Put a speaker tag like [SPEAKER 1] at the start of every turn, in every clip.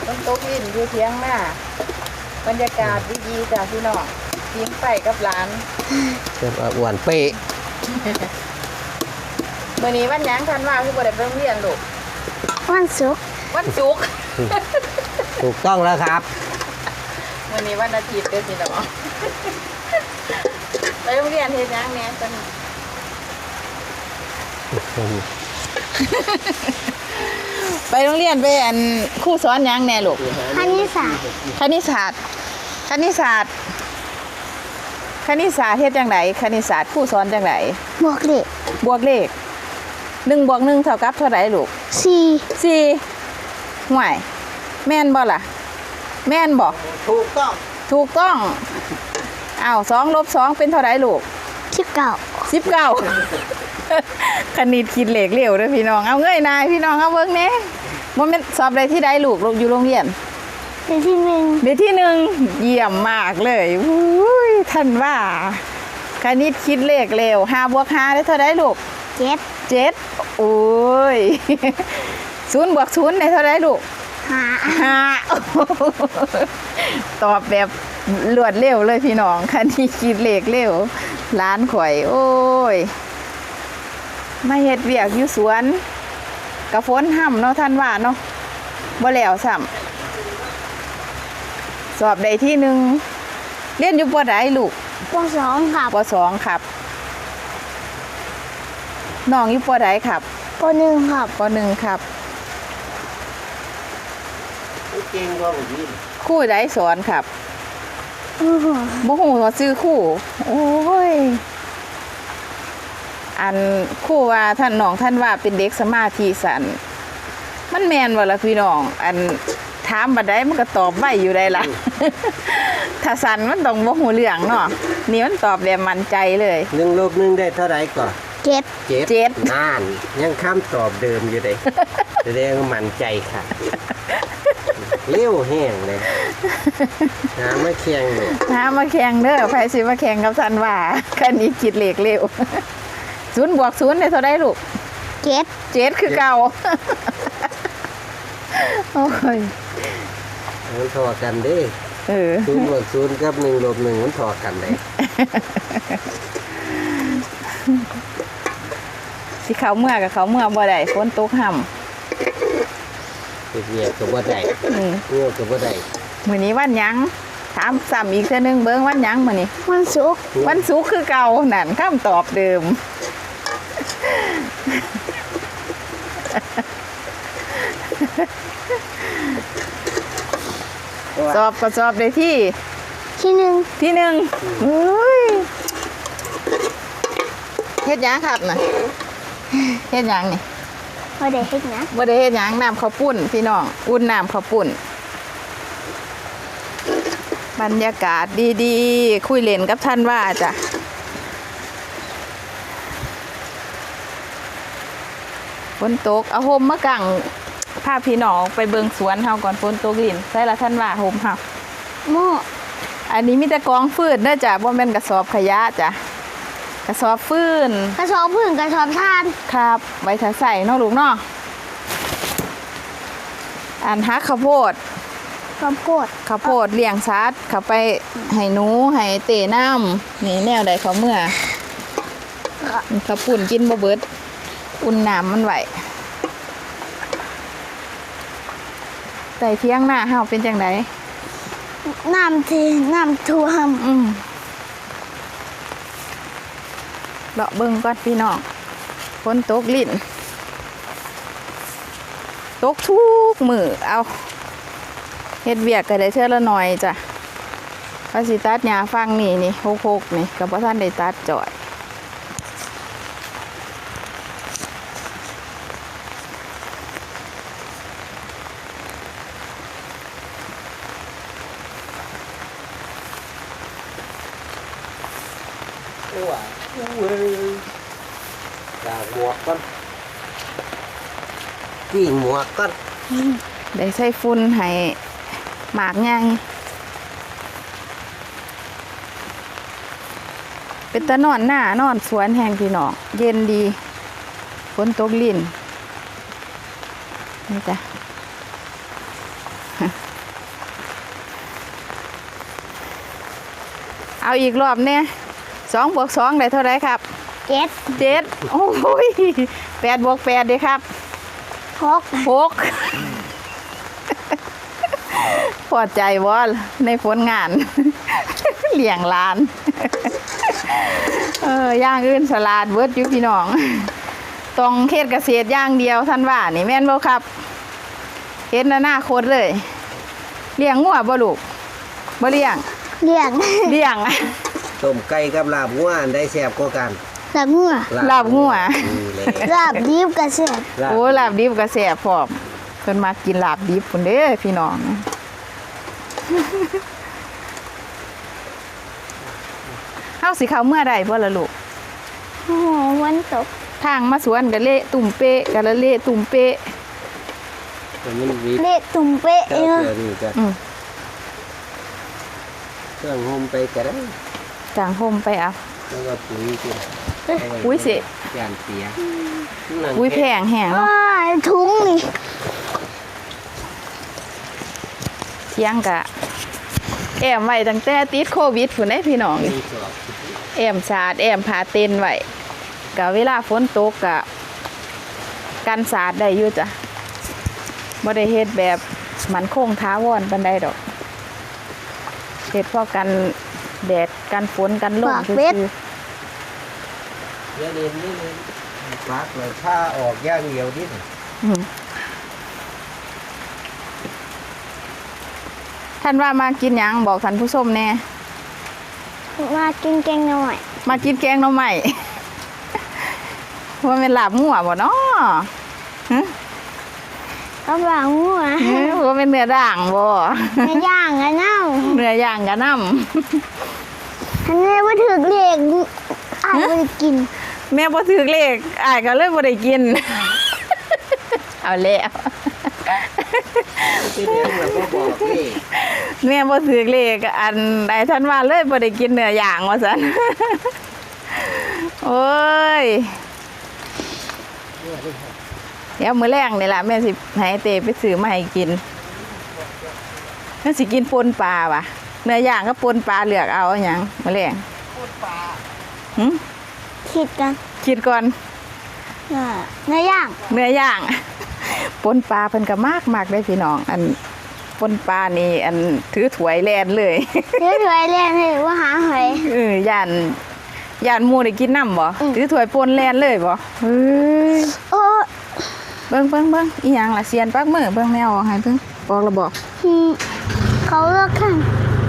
[SPEAKER 1] ต้นตกลิ้นอยู่เทียงหน้าบรรยากาศดีๆจ้ะพี่น้องกินไปกับหลาน
[SPEAKER 2] เจ็บอ้วนเป๊ะ
[SPEAKER 1] มื้อนี้วันหยังทันว่าคือบ่ได้ไปโรงเรียนลูก
[SPEAKER 3] วันศุกร์
[SPEAKER 2] ถูกต้องแล้วครับ
[SPEAKER 1] มื้อนี้วันอาทิตย์เด้อพี่น้องไปโรงเรียนเฮ็ดหยังแหน่ตอนนี้ไปโรงเรียนไปอันครูสอนหยังแหน่ลูก
[SPEAKER 3] คณิตศาสตร์
[SPEAKER 1] คณิตศาสตร์เฮ็ดจังไดคณิตศาสตร์ครูสอนจังได
[SPEAKER 3] บวกเลข
[SPEAKER 1] 1 บวก 1เท่ากับเท่าไหร่ลูก4ห่วยแม่นบ่ล่ะแม่นบ่
[SPEAKER 2] ถูก
[SPEAKER 1] ต้องอ้าว2 ลบ 2เป็นเท่าไหร่ลูก19คณิตคิดเลขเร็วเด้อพี่น้องเอาเงยนายพี่น้องเอาเบิ่งแหน่บ่แม่นสอบได้ที่ใดลูกอยู่โรงเรียน
[SPEAKER 3] ได้ที่
[SPEAKER 1] 1เยี่ยมมากเลยอุ้ยท่านว่าคณิตคิดเลขเร็ว5 บวก 5ได้เท่าไหร่ลูก7โอ้ย0 บวก 0ได้เท่าไหร่ลูก5ตอบแบบรวดเร็วเลยพี่น้องคณิตคิดเลขเร็วล้านข่อยโอ้ยมาเฮ็ดเวียกอยู่สวนกะฝนห่ำเนาะท่านว่าเนาะบ่แล้วซ้ำสอบได้ที่ 1เรียนอยู่ป.ใดลูก
[SPEAKER 3] ป.2ครับ
[SPEAKER 1] ป.2ครับน้องอยู่ป.ใดครับ
[SPEAKER 3] ป.1ครับ
[SPEAKER 1] ป.1ครับ
[SPEAKER 2] เก่งกว่าผมนี่
[SPEAKER 1] ครูใดสอนครับบ่ฮู้ว่าชื่อครูโอ้ยอันครูว่าท่านน้องท่านว่าเป็นเด็กสมาธิสั้นมันแม่นบ่ล่ะพี่น้องอันถามบัดใดมันก็ตอบไว้อยู่ได้ล่ะ ถ้าสั้นมันต้องบ่ฮู้เรื่องเนาะนี่มันตอบแบบมั่นใจเลย
[SPEAKER 2] 1 ลบ 1ได้เท่าไหร่ก่อน
[SPEAKER 3] 7
[SPEAKER 2] นั่นยังคำตอบเดิมอยู่เลยแสดงว่ามั่นใจค่ะเลี้ยวแห้งเลยมาแข่งเลย
[SPEAKER 1] มาแข่งเด้อไผสิมาแข่งกับท่านว่าคันนี้คิดเลขเร็ว0 บวก 0ได้เท่าใดลูก7คือเก่าโอ้ย
[SPEAKER 2] มันถอดกันเด้0 บวก 0กับ1 ลบ 1มันถอดกันเลย
[SPEAKER 1] สิเขาเมื่อกับเขาเมื่อบ่ได้ฝนตกห่ำ
[SPEAKER 2] เงียบกับบ่ได้เงียบกับบ่ได้
[SPEAKER 1] มื้อนี้วันหยังถามซ้ำอีกเทื่อนึงเบิ่งวันหยังมื้อนี้
[SPEAKER 3] วันศุกร์
[SPEAKER 1] คือเก่านั่นคำตอบเดิมสอบก็สอบได้ที่ 1อุ้ยเฮ็ดหยังครับน่ะเฮ็ดหยังนี่
[SPEAKER 3] บ่ได้เฮ็ดหยัง
[SPEAKER 1] น้ำข้าวปุ้นพี่น้องอุ่นน้ำข้าวปุ้นบรรยากาศดีๆคุยเล่นกับท่านว่าจ้ะฝนตกเอาห่มมากางพาพี่น้องไปเบิ่งสวนเฮาก่อนฝนตกลิ้นใส่ละท่านว่าห่มเฮาอันนี้มีแต่กองฟืนเด้อจ้ะบ่แม่นกระสอบขยะจ้ะกระสอบฟืน
[SPEAKER 3] กระสอบถ่าน
[SPEAKER 1] ครับไว้ถ้าใส่เนาะลูกเนาะอันฮักข้าวโพดเลี้ยงสัตว์เข้าไปให้หนูให้เตะน้ำนี่แนวใดเขาเมื่อข้าวปุ่นกินบ่เบิดอุ่นน้ำมันไหวใส่เที่ยงหน้าเฮาเป็นจังได
[SPEAKER 3] น้ำท่วม
[SPEAKER 1] เลาะเบิ่งก่อนพี่น้องฝนตกลิ้นตกทุกมื้อเอาเฮ็ดเวียกก็ได้เทื่อละหน่อยจ้ะพระสิตัดหญ้าฟังนี่หกนี่ก็บ่ทันได้ตัดจอด
[SPEAKER 2] หมวกก่อนจี้หมวกก่อน
[SPEAKER 1] ได้ใส่ฝุ่นให้หมากใหญ่เป็นตะนอนหน้านอนสวนแห่งพี่น้องเย็นดีฝนตกลิ้นนี่จ้ะเอาอีกรอบเนี่ย2 บวก 2ได้เท่าไรครับ
[SPEAKER 3] 7
[SPEAKER 1] 7โอ้ย8 บวก 8ดีครับ
[SPEAKER 3] 6
[SPEAKER 1] 6 พอใจวะในผลงาน เลี้ยงหลาน อย่างอื่นสลัดเบิดอยู่พี่น้องต้องเฮ็ดเกษตรอย่างเดียวท่านว่านี่แม่นบ่ครับเฮ็ดอนาคตเลยเลี้ยงงัวบ่ลูกบ่เลี้ยง
[SPEAKER 3] เลี้ยง
[SPEAKER 1] เลี้ยง
[SPEAKER 2] ต้มไก่กับลาบงัวอันได้แซ่บกว่ากัน
[SPEAKER 3] ลาบงัว
[SPEAKER 1] ลาบงัว
[SPEAKER 2] นี่แหละ
[SPEAKER 3] ลาบดิบกระเสียบ
[SPEAKER 1] โอ้ลาบดิบก็แซ่บพร้อมเพิ่นมากินลาบดิบพุ่นเด้อพี่น้อง เฮาสิเข้าเมื่อใดบ่ล่ะลูก
[SPEAKER 3] โอ้โหวันตก
[SPEAKER 1] ทางมาสวนก็เละตุ่มเป๊ะก็ละเละตุ่มเป๊ะ
[SPEAKER 2] ตัวนี้วิทย์
[SPEAKER 3] เละตุ่มเป๊ะ
[SPEAKER 2] เจ้า
[SPEAKER 3] เนาะ
[SPEAKER 2] เสือนี่ก็
[SPEAKER 1] อืม
[SPEAKER 2] เครื่องโฮมไปก็ได้
[SPEAKER 1] จางห่มไปเอา
[SPEAKER 2] แล้วก็ปุ๋ยที่
[SPEAKER 1] อุ้ยสิ
[SPEAKER 2] ยานเสีย
[SPEAKER 1] อุ้ยแพงแห้งเนาะ
[SPEAKER 3] อ้ายถุงนี่
[SPEAKER 1] เที่ยงกะแอมไว้ตั้งแต่ติดโควิดพุ่นได้พี่น้อง
[SPEAKER 2] นี่สอบ
[SPEAKER 1] แอมสาดแอมพาเต้นไว้กะเวลาฝนตกกะกันสาดได้อยู่จ้ะบ่ได้เฮ็ดแบบมันคงท้าวอนปานใดดอกเฮ็ดพอกันแดดกันฝนกันลมซื่อ
[SPEAKER 2] เดี๋ยวเรียนนี่เลยฟักเลยผ้าออกย่างเดียวนิด
[SPEAKER 1] ๆอืมท่านว่ามากินหยังบอกท่านผู้ชมแน่
[SPEAKER 3] มากินแกงหน่อย
[SPEAKER 1] มากินแกงหน่อไม้ ว่าเป็นลาบงัวบ่เนาะฮะ
[SPEAKER 3] ก็บางงัว
[SPEAKER 1] ว่าเป็นเนื้อด่างบ่
[SPEAKER 3] ไม่ย่างกันเน่า
[SPEAKER 1] เนื้อย่างกะน้
[SPEAKER 3] อันนี้ว่าถึกเล็กอาจจะไปกิน
[SPEAKER 1] ำแม่บ่ถือเลขอ้ายก็เลยบ่ได้กิน เอาแล้ว
[SPEAKER 2] ที่เรียนเราก็บอกนี่
[SPEAKER 1] แม่บ่ถือเลขอันใดท่านว่าเลยบ่ได้กินเนื้อย่างว่าซั่น โอ้ยเดี๋ยวมื้อแรงนี่ล่ะแม่สิให้เตไปซื้อมาให้กินแม่สิกินปนปลาว่ะเนื้อย่างก็ปนปลาเลือกเอาหยังมื้อแรงปนปลาหึ
[SPEAKER 3] คิดกัน
[SPEAKER 1] คิดก่อน
[SPEAKER 3] เนื้อย่าง
[SPEAKER 1] เนื้อย่าง ปนปลาเพิ่นก็มากได้พี่น้อง อันปนปลานี่อันถือถ้วยแลนเลย
[SPEAKER 3] เดี๋ยวถวยเรียนให้ว่าหาหอย
[SPEAKER 1] ย่านหมู่ได้กินน้ำบ่
[SPEAKER 3] อืม
[SPEAKER 1] ถือถ้วยปนแลนเลยบ่เฮ้ย
[SPEAKER 3] โอ้
[SPEAKER 1] เบิ่งอีหยังล่ะเสียนปักมือเบิ่งแมวให้เบิ่งบอกแล้วบอก
[SPEAKER 3] อืมเขาเลือกข้าง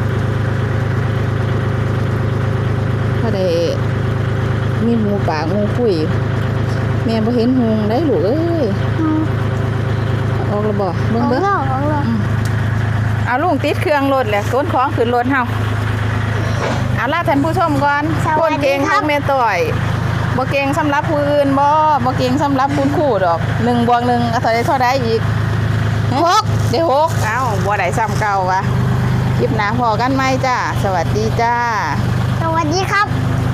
[SPEAKER 1] ก็ได้มีหมูป่างูคุยแม่บ่เห็นหงได้ลูกเอ้ย
[SPEAKER 3] อืม
[SPEAKER 1] ออกแล้วบ่เบิ่ง
[SPEAKER 3] เขา
[SPEAKER 1] เบิ่ง
[SPEAKER 3] เลือกเขาเลือก
[SPEAKER 1] เอาลุงติดเครื่องรถแหละขนของขึ้นรถเฮาเอาล่ะท่านผู้ชมก่อนคนเก่งทั้งแม่ต่อยบ่เก่งสำหรับผู้อื่นบ่เก่งสำหรับคุณครูดอก1 บวก 1ก็เท่าใดอีก6ได้6เอ้าบ่ได้ซ้ำเก่าวะคลิปหน้าพอกันไหมจ้าสวัสดีจ้า
[SPEAKER 3] สวัสดีครับ